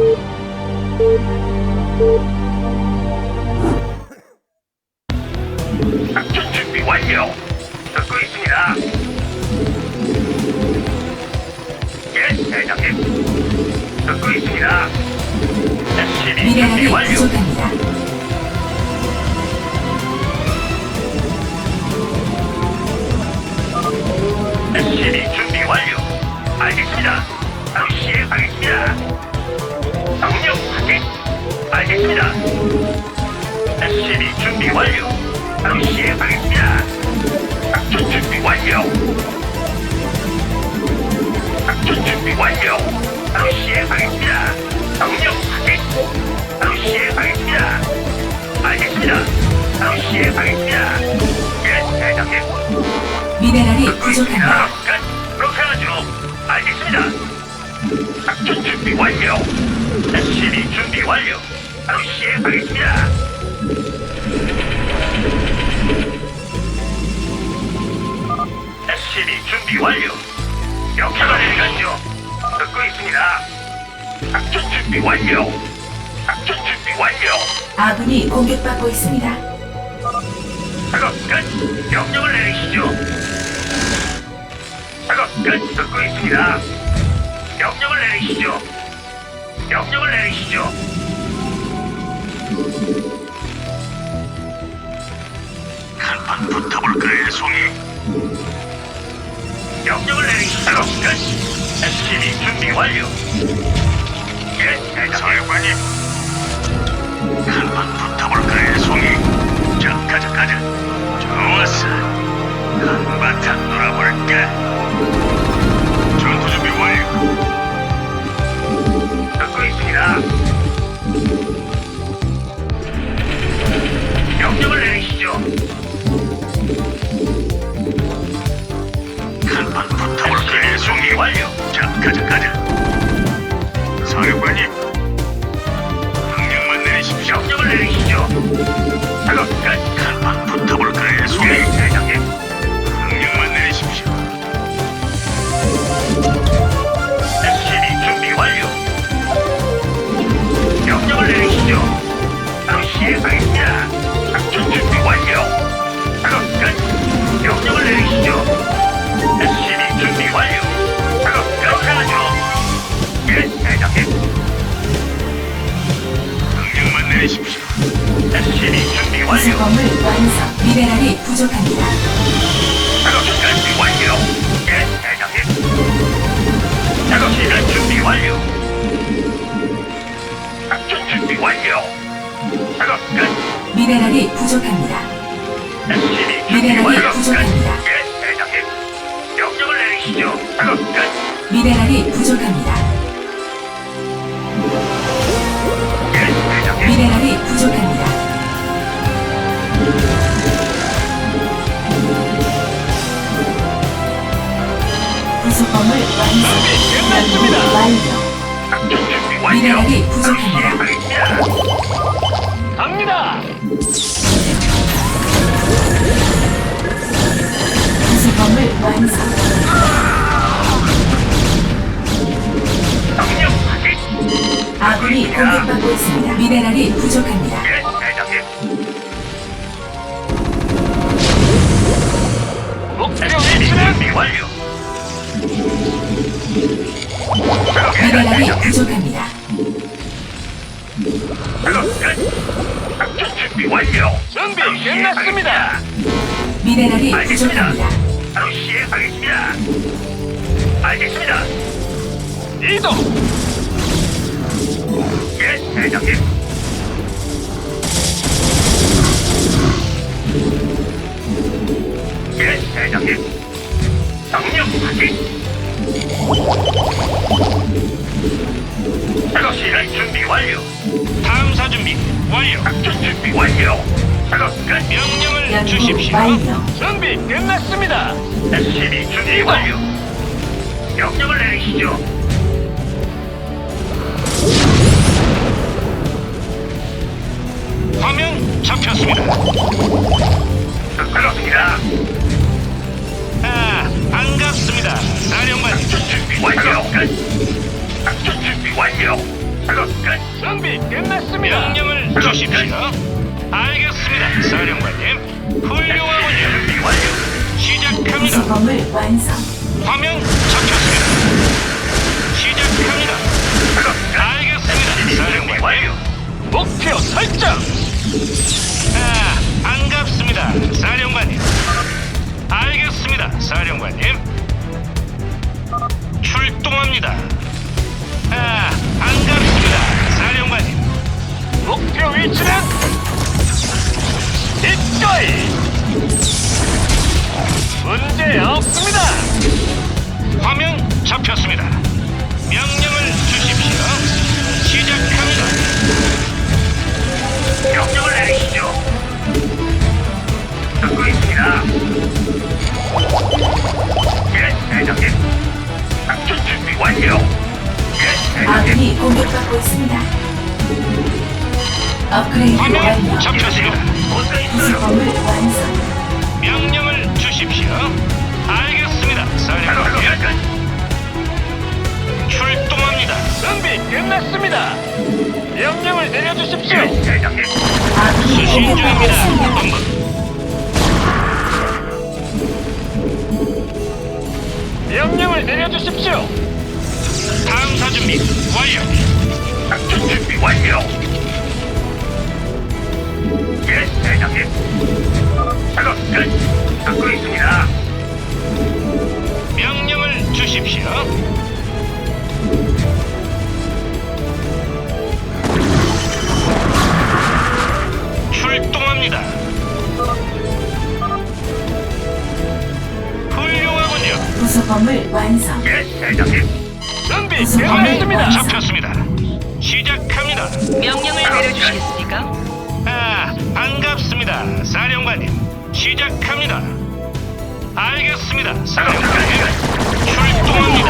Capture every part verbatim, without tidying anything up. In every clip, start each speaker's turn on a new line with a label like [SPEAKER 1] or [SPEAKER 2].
[SPEAKER 1] 작전 준비 완료. 듣고 있습니다. 예, 대장님. 듣고 있습니다. 에스씨비 준비
[SPEAKER 2] 미네랄이
[SPEAKER 1] 완료.
[SPEAKER 2] 부족합니다.
[SPEAKER 1] 에스씨비 준비 완료. 알겠습니다. 바로 시행하겠습니다. 명령 확인. 알겠습니다. 에스씨비 준비 완료. 바로 시행하겠습니다. 작전 준비 완료. 작전 준비 완료. 바로 시행하겠습니다. 명령 확인. 바로 시행하겠습니다. 알겠습니다. 바로 시행하겠습니다. 예, 대장님.
[SPEAKER 2] 미네랄이
[SPEAKER 1] 듣고 있습니다.
[SPEAKER 2] 부족합니다.
[SPEAKER 1] 끝. 그렇게 하죠. 알겠습니다. 작전 준비 완료. 에스씨비 준비 완료. 바로 시행하겠습니다. 에스씨비 준비 완료. 역할을 내리겠죠. 듣고 있습니다. 작전 준비 완료. 작전 준비 완료.
[SPEAKER 2] 아군이 공격받고 있습니다.
[SPEAKER 1] 작업 끝. 명령을 내리시죠. 작업 끝. 듣고 있습니다. 명령을 내리시죠. 명령을 내리시죠. 한판 붙어볼까요, 송이? 명령을 내리시죠. 작업 끝. 에스씨비 준비 완료. 예, 대장님. 사령관님. 한판 붙어볼까요, 송이? 자, 가자, 가자. 좋았어. 한바탕 놀아볼까? 전투 준비 완료. 듣고 있습니다. 명령을 내리시죠. 한판 붙어볼까요, 송이? 완료. 자, 가자, 가자. 사령관님. 명령만 내리십시오. 명령을 내리시죠. 작업 끝. 한판 붙어볼까요, 송이? 예, 대장님. 명령만 내리십시오. 에스씨비 준비 완료. 명령을 내리시죠. 바로 시행하겠습니다. 작전 준비 완료. 작업 끝. 명령을 내리시죠. 에스씨비 준비 완료. 작업 끝. 하죠. 예, 대장님. 명령만 내리십시오. 에스씨비 준비 완료.
[SPEAKER 2] 구성범을 완성. 미네랄이 부족합니다.
[SPEAKER 1] 작업 준비 완료. 예, 대장님. 작업 시간 준비 완료. 작전 준비 완료. 작업 끝.
[SPEAKER 2] 미네랄이 부족합니다.
[SPEAKER 1] 에스씨비 준비
[SPEAKER 2] 미네랄이
[SPEAKER 1] 완료. 끝.
[SPEAKER 2] 부족합니다.
[SPEAKER 1] 예, 대장님. 명령을 내리시죠. 작업 끝.
[SPEAKER 2] 미네랄이 부족합니다.
[SPEAKER 1] 예, 대장님.
[SPEAKER 2] 미네랄이 부족합니다. 구성범을 완성.
[SPEAKER 3] 끝났습니다.
[SPEAKER 2] 완료.
[SPEAKER 1] 작전 준비 완료.
[SPEAKER 2] 미네랄이 부족합니다.
[SPEAKER 1] 시행하겠습니다.
[SPEAKER 3] 갑니다.
[SPEAKER 2] 구성범을 완성.
[SPEAKER 1] 명령 확인.
[SPEAKER 2] 아군이 공격받고 있습니다. 미네랄이 부족합니다.
[SPEAKER 1] 예, 대장님.
[SPEAKER 3] 목표
[SPEAKER 1] 에스씨비
[SPEAKER 3] 위치는
[SPEAKER 1] 준비 완료. 작업 끝.
[SPEAKER 2] 미네랄이
[SPEAKER 1] 대장님.
[SPEAKER 2] 부족합니다.
[SPEAKER 1] 작업 끝. 작전 준비 완료.
[SPEAKER 3] 준비
[SPEAKER 1] 바로
[SPEAKER 3] 끝났습니다.
[SPEAKER 2] 미네랄이
[SPEAKER 1] 알겠습니다.
[SPEAKER 2] 부족합니다.
[SPEAKER 1] 바로 시행하겠습니다. 알겠습니다.
[SPEAKER 3] 이동.
[SPEAKER 1] 예, 대장님. 예, 대장님. 명령 확인. 작업 시간 준비 완료.
[SPEAKER 3] 탐사 준비 완료.
[SPEAKER 1] 작전 준비 완료. 작업 끝.
[SPEAKER 3] 명령을
[SPEAKER 2] 연구
[SPEAKER 3] 주십시오.
[SPEAKER 2] 완료.
[SPEAKER 3] 준비 끝났습니다.
[SPEAKER 1] 에스씨비 준비 완료. 명령을 내리시죠.
[SPEAKER 3] 화면 잡혔습니다.
[SPEAKER 1] 그렇습니다.
[SPEAKER 3] 아, 반갑습니다. 사령관.
[SPEAKER 1] 작전 준비 완료. 끝. 작전 준비 완료. 작업 끝.
[SPEAKER 3] 준비 끝났습니다. 명령을 주십시오. 알겠습니다, 사령관님. 훌륭하군요.
[SPEAKER 1] 준비 완료.
[SPEAKER 3] 시작합니다.
[SPEAKER 2] 부속범을 완성.
[SPEAKER 3] 화면 잡혔습니다. 시작합니다.
[SPEAKER 1] 작업 끝.
[SPEAKER 3] 알겠습니다,
[SPEAKER 1] 준비
[SPEAKER 3] 사령관님.
[SPEAKER 1] 완료.
[SPEAKER 3] 목표 설정. 아, 반갑습니다, 사령관님. 알겠습니다, 사령관님. 출동합니다. 아, 반갑습니다, 사령관님. 목표 위치는 이거이. 문제 없습니다. 화면 잡혔습니다. 명령을 주십시오. 시작합니다.
[SPEAKER 1] 명령을 내리시죠. 듣고 있습니다. 예, 대장님. 작전 준비 완료. 예, 대장님.
[SPEAKER 2] 아군이 공격받고 있습니다. 업그레이드
[SPEAKER 3] 화면
[SPEAKER 2] 완료.
[SPEAKER 3] 잡혔습니다.
[SPEAKER 1] 어서 있어요.
[SPEAKER 2] 부속범을 완성.
[SPEAKER 3] 명령을 주십시오. 알겠습니다,
[SPEAKER 1] 작업
[SPEAKER 3] 사령관님.
[SPEAKER 1] 끝.
[SPEAKER 3] 출동합니다. 준비 끝났습니다. 명령을 내려주십시오.
[SPEAKER 1] 예, 대장님.
[SPEAKER 2] 아군이
[SPEAKER 3] 수신
[SPEAKER 2] 공격받고
[SPEAKER 3] 중입니다.
[SPEAKER 2] 있습니다.
[SPEAKER 3] 본부. 명령을 내려주십시오. 탐사 준비 완료.
[SPEAKER 1] 작전 준비 완료. 예, 대장님. 작업 끝. 듣고 있습니다.
[SPEAKER 3] 명령을 주십시오. 출동합니다. 훌륭하군요.
[SPEAKER 2] 부속범을 완성.
[SPEAKER 1] 예, 대장님.
[SPEAKER 3] 준비
[SPEAKER 2] 부속범을
[SPEAKER 3] 끝났습니다.
[SPEAKER 2] 완성.
[SPEAKER 3] 잡혔습니다. 시작합니다.
[SPEAKER 4] 명령을 내려주시겠습니까?
[SPEAKER 3] 아, 반갑습니다, 사령관님. 시작합니다. 알겠습니다, 사령관님. 출동합니다.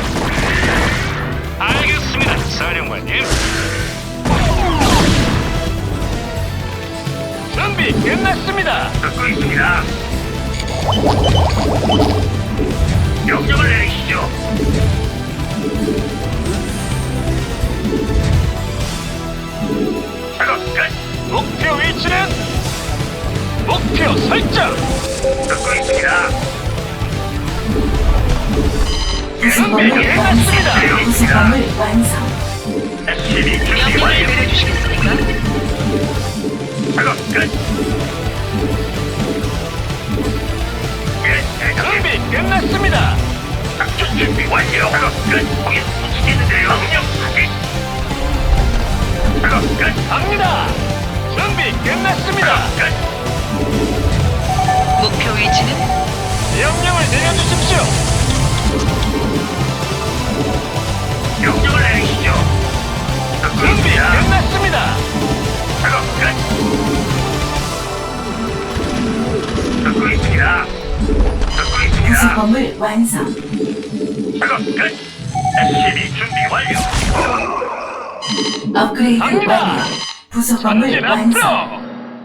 [SPEAKER 3] 알겠습니다, 사령관님. 준비 끝났습니다.
[SPEAKER 1] 듣고 있습니다. 명령을 내리시죠. 작업 끝.
[SPEAKER 3] 목표 위치는 목표 설정.
[SPEAKER 1] 듣고 있습니다.
[SPEAKER 2] 부속범을
[SPEAKER 3] 준비
[SPEAKER 2] 완성.
[SPEAKER 3] 끝났습니다.
[SPEAKER 2] 부속범을 완성.
[SPEAKER 1] 에스씨비 준비
[SPEAKER 4] 명령을
[SPEAKER 1] 완료.
[SPEAKER 4] 내려주시겠습니까?
[SPEAKER 1] 작업 끝. 예, 대장님.
[SPEAKER 3] 준비 끝났습니다.
[SPEAKER 1] 작전 준비 완료. 작업 끝. 거기 붙이겠는데요. 명령 확인. 작업 끝.
[SPEAKER 3] 갑니다. 준비 끝났습니다.
[SPEAKER 1] 작업 끝.
[SPEAKER 4] 목표 위치는
[SPEAKER 3] 명령을 내려주십시오.
[SPEAKER 1] 명령을 내리시죠. 듣고
[SPEAKER 3] 준비
[SPEAKER 1] 있습니다.
[SPEAKER 3] 끝났습니다.
[SPEAKER 1] 작업 끝. 듣고 있습니다. 듣고 있습니다.
[SPEAKER 2] 부속범을 완성.
[SPEAKER 1] 작업 끝. 에스씨비 준비 완료.
[SPEAKER 2] 업그레이드
[SPEAKER 3] 갑니다.
[SPEAKER 2] 완료. 부속범을
[SPEAKER 3] 전진
[SPEAKER 2] 완성.
[SPEAKER 3] 앞으로.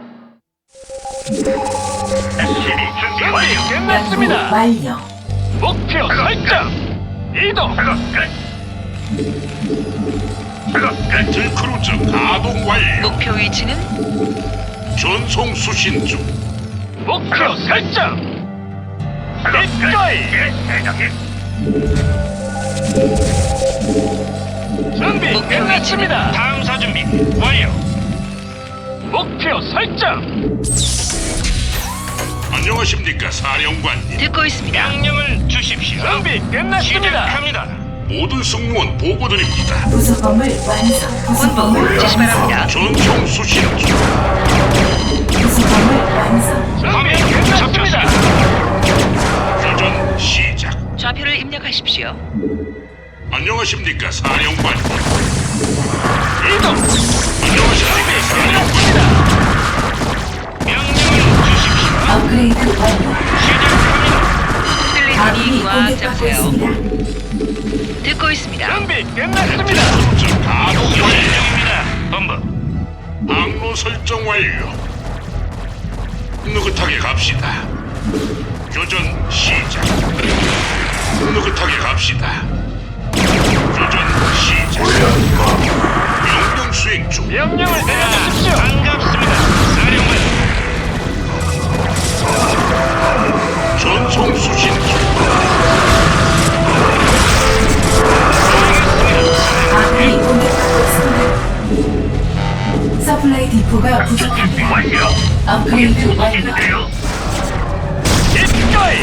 [SPEAKER 1] 에스씨비 준비
[SPEAKER 3] 준비
[SPEAKER 1] 완료.
[SPEAKER 2] 연구
[SPEAKER 3] 끝났습니다.
[SPEAKER 2] 완료.
[SPEAKER 3] 목표 설정. 이동.
[SPEAKER 1] 작업 끝. 작업 끝.
[SPEAKER 5] 들크루즈 가동 완료.
[SPEAKER 4] 목표 위치는
[SPEAKER 5] 전송 수신 중.
[SPEAKER 3] 목표 설정.
[SPEAKER 1] 작업 끝.
[SPEAKER 3] 이거이.
[SPEAKER 1] 예, 대장님.
[SPEAKER 3] 준비
[SPEAKER 4] 목표
[SPEAKER 3] 끝났습니다. 탐사 준비 완료. 목표 설정.
[SPEAKER 5] 안녕하십니까 사령관님.
[SPEAKER 4] 듣고 있습니다.
[SPEAKER 3] 명령을 주십시오. 준비 끝났습니다. 시작합니다.
[SPEAKER 5] 모든 승무원 보고드립니다.
[SPEAKER 2] 부속범을 완성. 부속범을
[SPEAKER 4] 본부 지시
[SPEAKER 2] 완성.
[SPEAKER 4] 바랍니다.
[SPEAKER 5] 전송 수신 중.
[SPEAKER 2] 부속범을 완성.
[SPEAKER 3] 준비 끝났습니다.
[SPEAKER 5] 교전 시작.
[SPEAKER 4] 좌표를 입력하십시오.
[SPEAKER 5] 안녕하십니까 사령관님.
[SPEAKER 3] 이동.
[SPEAKER 5] 안녕하십니까 사령관님.
[SPEAKER 3] 끝났습니다. 명령을 주십시오.
[SPEAKER 2] 업그레이드 완료.
[SPEAKER 3] 시작합니다.
[SPEAKER 2] 아군이
[SPEAKER 4] 힐링이 꽉
[SPEAKER 2] 공격받고
[SPEAKER 4] 잡으세요.
[SPEAKER 2] 있습니다.
[SPEAKER 4] 듣고 있습니다.
[SPEAKER 3] 준비 끝났습니다.
[SPEAKER 5] 들크루즈 가동 완료.
[SPEAKER 3] 중입니다. 본부.
[SPEAKER 5] 항로 설정 완료. 느긋하게 갑시다. 교전 시작. 느긋하게 갑시다. 교전 시작. 시작. 명령 수행 중.
[SPEAKER 3] 명령을 내려주십시오. 반갑습니다. 사령관.
[SPEAKER 5] 전송 수신 중.
[SPEAKER 2] 아군이 공격받고 있습니다. 서플라이 디포가
[SPEAKER 1] 작전 준비
[SPEAKER 2] 부족합니다.
[SPEAKER 1] 완료.
[SPEAKER 2] 업그레이드 완료.
[SPEAKER 1] 있는데요.
[SPEAKER 3] 입가이.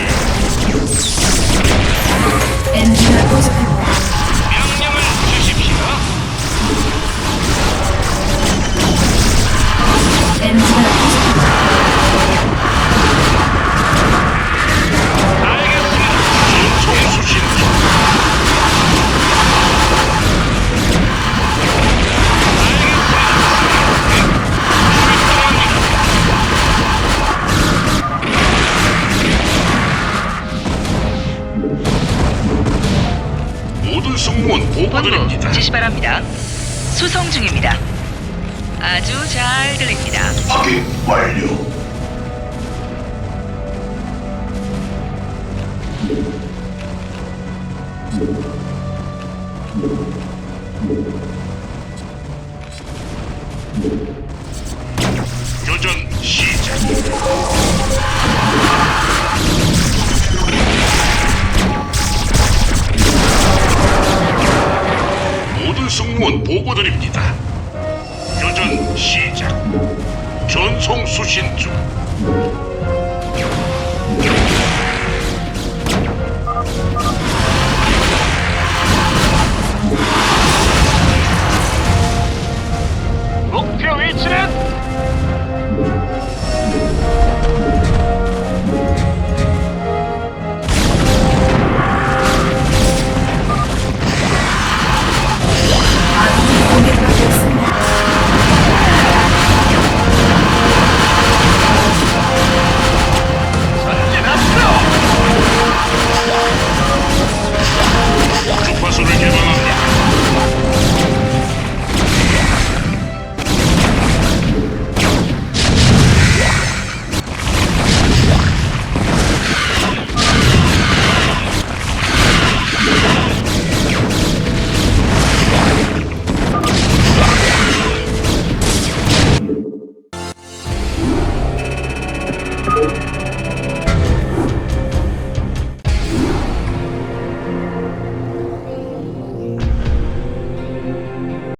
[SPEAKER 2] 에너지가 부족합니다.
[SPEAKER 3] 명령을 주십시오.
[SPEAKER 2] 에너지가 부족합니다.
[SPEAKER 3] 알겠습니다.
[SPEAKER 5] 전송 수신 중. 모든 승무원 보고드립니다.
[SPEAKER 4] 본부 지시 바랍니다. 수송 중입니다. 아주 잘 들립니다.
[SPEAKER 1] 확인 완료.
[SPEAKER 5] 교전 시작. 모든 승무원 보고드립니다. 교전 시작. 전송 수신 중.
[SPEAKER 3] 목표 위치는
[SPEAKER 2] 아군이 공격받고 있습니다.
[SPEAKER 3] 전진 앞으로.
[SPEAKER 5] 주파수를 개방합니다.